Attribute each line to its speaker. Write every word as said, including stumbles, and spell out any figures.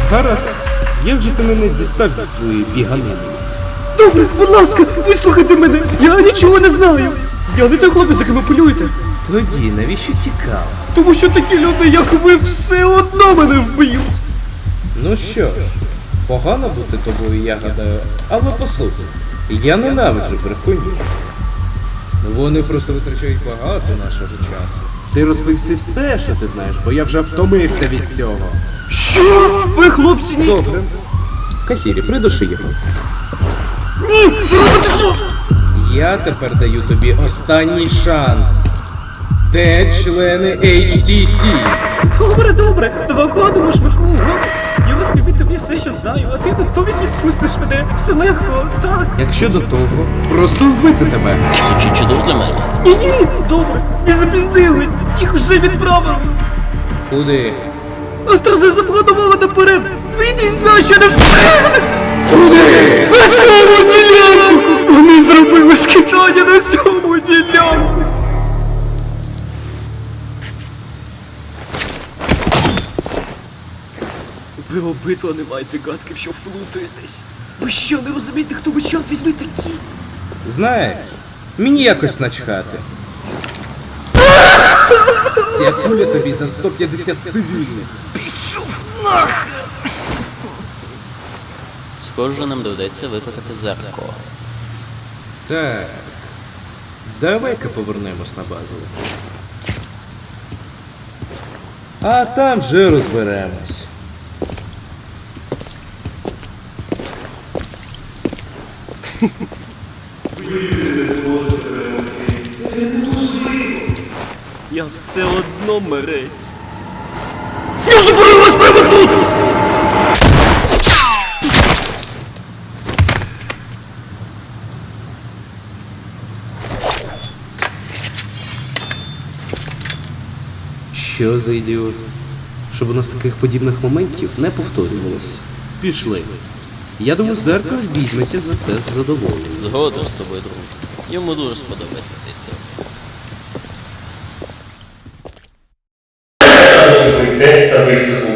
Speaker 1: Гаразд. Як же ти мене дістав зі своєю біганиною?
Speaker 2: Добре, будь ласка, вислухайте мене. Я нічого не знаю. Я не той хлопець, яким ви полюєте.
Speaker 1: Тоді навіщо тікав?
Speaker 2: Тому що такі люди, як ви, все одно мене вб'ють.
Speaker 1: Ну що ж, погано бути тобою, я гадаю, але послухай, я ненавиджу брехунів. Вони просто витрачають багато нашого часу. Ти розповісти все, що ти знаєш, бо я вже втомився від цього.
Speaker 2: Що? Ви, хлопці, ні?
Speaker 1: Добре. Кахірі, придуши його.
Speaker 2: Ні, ви робите що?
Speaker 1: Я тепер даю тобі останній шанс. Де члени ейч ті сі?
Speaker 2: Добре, добре, давай укладемо швидку угоду. Я розповім тобі все, що знаю, а ти натомість відпустиш мене. Все легко, так.
Speaker 1: Якщо до того, просто вбити тебе.
Speaker 3: Звучить чудово для мене.
Speaker 2: Ні-ні, добре, ви запізнились, їх вже відправили.
Speaker 1: Куди?
Speaker 2: Острози запланували наперед. Вийдіть за що не все.
Speaker 1: Куди?
Speaker 2: На цьому ділянку! Вони зробили скидання на цьому ділянку! Ви обидва не маєте гадки, що вплутаєтесь. Ви що, не розумієте, хто ви, чорт візьми, такі?
Speaker 1: Знаєш, мені якось начхати. Ця куля тобі за сто п'ятдесят цивільних.
Speaker 2: Пішов нахер!
Speaker 3: Схоже, нам доведеться викликати Зерко.
Speaker 1: Так. Давай-ка повернемось на базу. А там вже розберемось.
Speaker 2: Я все одно мерець. Я заберу вас прямо тут!
Speaker 1: Що за ідіот? Щоб у нас таких подібних моментів не повторювалось. Пішли. Я думаю, Зеркало візьметься за це з задоволенням.
Speaker 3: Згодом з тобою, друже. Йому дуже сподобається ця історія.
Speaker 4: Тестовий звук.